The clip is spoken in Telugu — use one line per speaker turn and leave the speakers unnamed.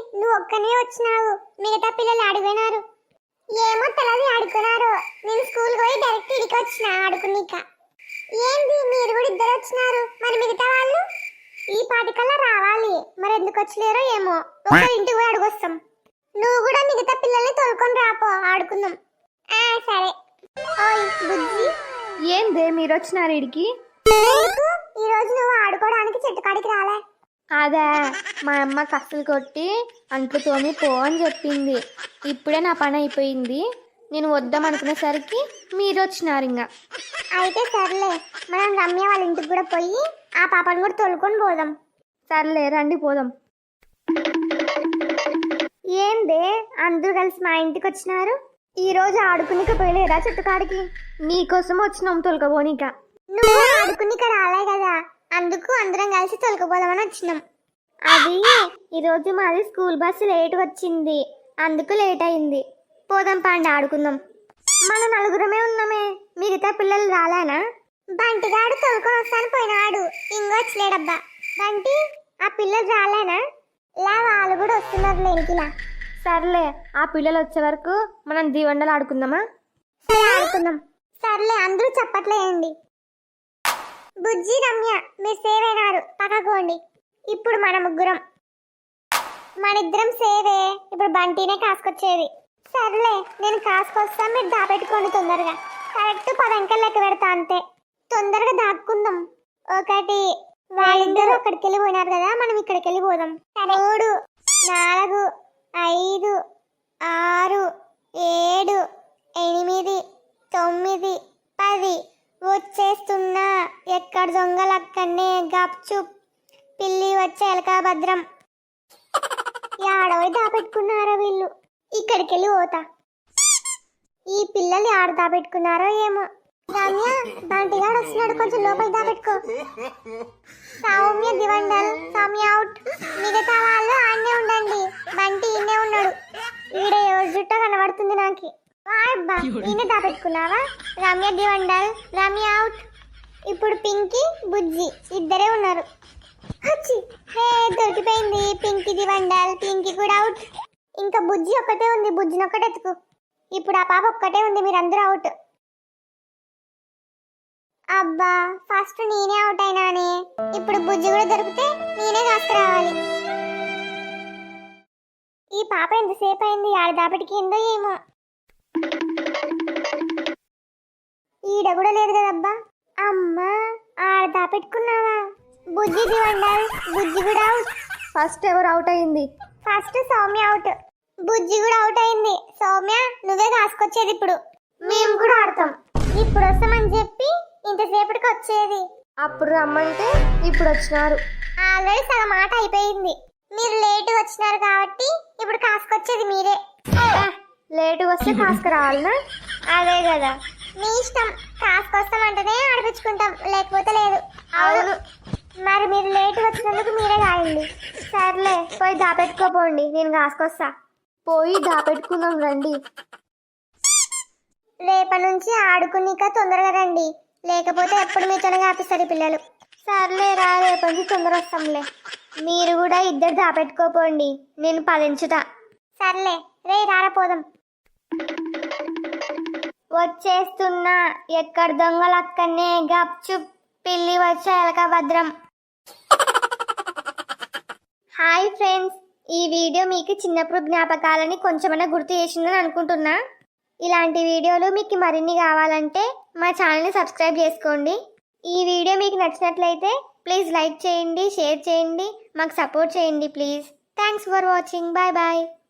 నువ్వు ఒక్కనే వచ్చినావు, మిగతా పిల్లలు ఆడిపోయినారు. ఏమో తెలది ఆడుకున్నారు. నేను స్కూల్ పోయి డైరెక్ట్ ఇడికి వచ్చిన ఆడుకునిక. ఏంది మీరు కూడా ఇద్దరు వచ్చినారు, మరి మిగతా వాళ్ళు ఈ పాటికల్లా రావాలి. మరి ఎందుకు వచ్చలేరో ఏమో, ఒక ఇంటికి పోయి అడుగొస్తాం. నువ్వు కూడా మిగతా పిల్లల్ని తోలుకొని రాపో, ఆడుకుందాం. సరే. ఓయ్ బుజ్జి,
ఏందే మీరు వచ్చినారు ఇడికి?
ఈ రోజు నువ్వు ఆడుకోవడానికి చెట్టు కాడికి రాలే?
అదే, మా అమ్మ కసులు కొట్టి అంట్లు తోమి పో అని చెప్పింది. ఇప్పుడే నా పని అయిపోయింది. నేను వద్దాం అనుకునేసరికి మీరు వచ్చినారు. ఇంకా
అయితే సర్లే, మనం రమ్య వాళ్ళ ఇంటికి కూడా పోయి ఆ పాపను కూడా తోలుకొని పోదాం.
సర్లే రండి పోదాం.
ఏందే అందరూ కలిసి మా ఇంటికి వచ్చినారు?
ఈ రోజు ఆడుకునిక పోయలేదా చెట్టు కాడికి? నీకోసం వచ్చినాం తొలకపోనిక.
నువ్వు ఆడుకునిక రాలే కదా, అందుకు అందరం కలిసి తొలకపోదామని వచ్చినాం.
అది ఈరోజు మాది స్కూల్ బస్సు లేట్ వచ్చింది, అందుకు లేట్ అయింది. పోదాం పండి ఆడుకుందాం.
మన నలుగురమే ఉన్నామే, మిగతా పిల్లలు రాలేనా? బంటిగాడు తోలుకొని వస్తాను పోయినాడు, ఇంకొచ్చలేడబ్బా. బంటి, ఆ పిల్లలు రాలేనా? వాళ్ళు కూడా వస్తున్నారు లేనికిలా.
సర్లే, ఆ పిల్లలు వచ్చే వరకు మనం దీవండలు ఆడుకుందామా?
సరే ఆడుకుందాం. సర్లే, అందరూ చప్పట్లేయండి. బుజ్జి, రమ్య మీరు సేవ్ అయినారు, పక్కకోండి. ఇప్పుడు మన ముగ్గురం, మనిద్దరం సేవే. ఇప్పుడు బంటినే కాసుకొచ్చేది. సర్లే, నేను కాసుకొస్తా, మీరు దాపెట్టుకోండి తొందరగా. కరెక్ట్ 10 అంకెలు లెక్క పెడతా, అంతే. తొందరగా దాక్కుందాం. 1, వాళ్ళిద్దరూ అక్కడికి వెళ్ళి పోయినారు కదా, మనం ఇక్కడికి వెళ్ళి పోదాం. 3, 4, 5, 6, 7, 8, 9, 10. వచ్చేస్తున్నా, ఎక్కడ దొంగలక్కనే, గప్చుప్. పిల్లి వచ్చే ఎలకా భద్రం. ఆడవి దాపెట్టుకున్నారో వీళ్ళు. ఇక్కడికి వెళ్ళి పోతా. ఈ పిల్లలు ఆడ దాపెట్టుకున్నారో ఏమో. రమ్య, బంటిగాడు వస్తున్నాడు, కొంచెం లోపల దాపెట్టుకో. సౌమ్య, దివండల్, సౌమ్య అవుట్. మిగతా వాళ్ళు ఆడనే ఉండండి, బంటి ఈయనే ఉన్నాడు. ఈడ ఎవరి జుట్ట కనబడుతుంది నాకు. అబ్బా, ఈయన దాపెట్టుకున్నావా? రమ్య, దివండల్, రమ్య అవుట్. ఇప్పుడు పింకీ, బుజ్జి ఇద్దరే ఉన్నారు. హే, దొరికిపోయింది. పింకీ, దివండల్, పింకీ కూడా అవుట్. ఇంకా బుజ్జి ఒక్కటే ఉంది, బుజ్జిని ఒక్కటే ఎత్తుకు. ఇప్పుడు ఆ పాప ఒక్కటే ఉంది, మీరందరూ అవుట్. అబ్బా, ఫస్ట్ నేనే అవుట్ అయినానే. ఇప్పుడు బుజ్జి కూడా దొరికితే నేనే కాసుకురావాలి. ఈ పాప ఎంతసేపు అయింది ఆడ దాపెట్టుకిందో ఏమో. ఈడ కూడా లేదు కదబ్బా. అమ్మా, ఆడ దాపెట్టుకున్నావా? బుజ్జి, దివండల్, బుజ్జి కూడా అవుట్.
ఫస్ట్ ఎవరు అవుట్ అయింది?
First Soumya out. బుజ్జి కూడా అవుట్ అయింది. సౌమ్య, నువ్వే కాసుకొచ్చేది ఇప్పుడు. మేము కూడా ఆడతాం. ఇప్పుడు వస్తామని చెప్పి ఇంతసేపటికి వచ్చేది.
అప్పుడు రమ్మంటే ఇప్పుడు వచ్చినారు.
ఆల్రెడీ సగం మాట అయిపోయింది. మీరు లేట్ వచ్చినారు కాబట్టి ఇప్పుడు కాసుకొచ్చేది మీరే.
లేటు వస్తే కాసుకురావాలనా?
అదే కదా, మీ ఇష్టం. కాసుకొస్తామంటేనే ఆడిపించుకుంటాం, లేకపోతే లేదు.
అవును.
మరి మీరు లేట్ వచ్చినందుకు మీరే కాయండి.
సర్లే, పోయి దాపెట్టుకోపోండి, నేను కాసుకొస్తా. పోయి దాపెట్టుకుందాం రండి.
రేపటి నుంచి ఆడుకునిక తొందరగా రండి, లేకపోతే ఎప్పుడు మీతోనే కాపిస్తారు పిల్లలు.
సర్లే రా, రేపటి నుంచి తొందర వస్తాంలే.
మీరు కూడా ఇద్దరు దాపెట్టుకోపోండి,
నేను 10 ఎంచుతా.
సర్లే, రే రారపోదాం. వచ్చేస్తున్నా, ఎక్కడ దొంగలక్కనే, గప్చుప్. పిల్లి వచ్చే ఎలక భద్రం. హాయ్ ఫ్రెండ్స్, ఈ వీడియో మీకు చిన్నప్పుడు జ్ఞాపకాలని కొంచెమైనా గుర్తు చేసిందని అనుకుంటున్నా. ఇలాంటి వీడియోలు మీకు మరిన్ని కావాలంటే మా ఛానల్ని సబ్స్క్రైబ్ చేసుకోండి. ఈ వీడియో మీకు నచ్చినట్లయితే ప్లీజ్ లైక్ చేయండి, షేర్ చేయండి, మాకు సపోర్ట్ చేయండి please. Thanks for watching. Bye bye.